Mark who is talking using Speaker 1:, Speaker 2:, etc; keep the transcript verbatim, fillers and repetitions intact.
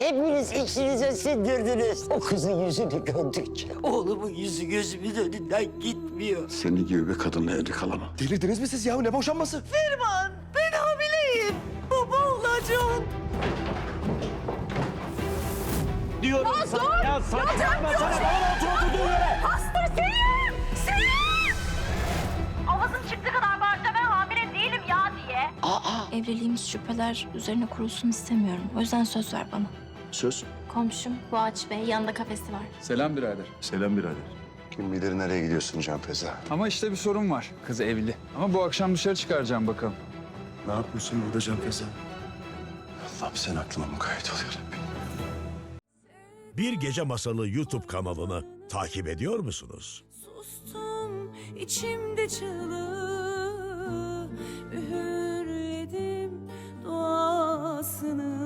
Speaker 1: Hepiniz içinize sindirdiniz. O kızın yüzünü gördükçe oğlumun yüzü gözümün önünden gitmiyor.
Speaker 2: Senin gibi bir kadınla evli kalamam.
Speaker 3: Delirdiniz mi siz ya? Ne boşanması?
Speaker 1: Ferman, ben hamileyim. Baba olacağım.
Speaker 4: Diyorum
Speaker 5: Ya
Speaker 4: sana.
Speaker 5: dur!
Speaker 4: Ya saçmalama
Speaker 5: Ya
Speaker 4: sana.
Speaker 5: dur!
Speaker 4: Bana otur oturduğun yere.
Speaker 5: Hasta Selim! Selim! Avazım çıktı kadar bağırsa ben hamile değilim ya diye.
Speaker 6: Evliliğimiz şüpheler üzerine kurulsun istemiyorum. O yüzden söz ver bana.
Speaker 2: Söz.
Speaker 6: Komşum Boğaç Bey, yanında kafesi var.
Speaker 7: Selam birader.
Speaker 2: Selam birader. Kim bilir nereye gidiyorsun Can Feza?
Speaker 7: Ama işte bir sorun var. Kız evli. Ama bu akşam dışarı çıkaracağım bakalım.
Speaker 2: Ne yapıyorsun burada Can Feza? Allah'ım sen aklıma mukayyet ol yarabbim.
Speaker 8: Bir Gece Masalı YouTube kanalını takip ediyor musunuz?
Speaker 9: Sustum içimde çığlığı, üğürledim duasını.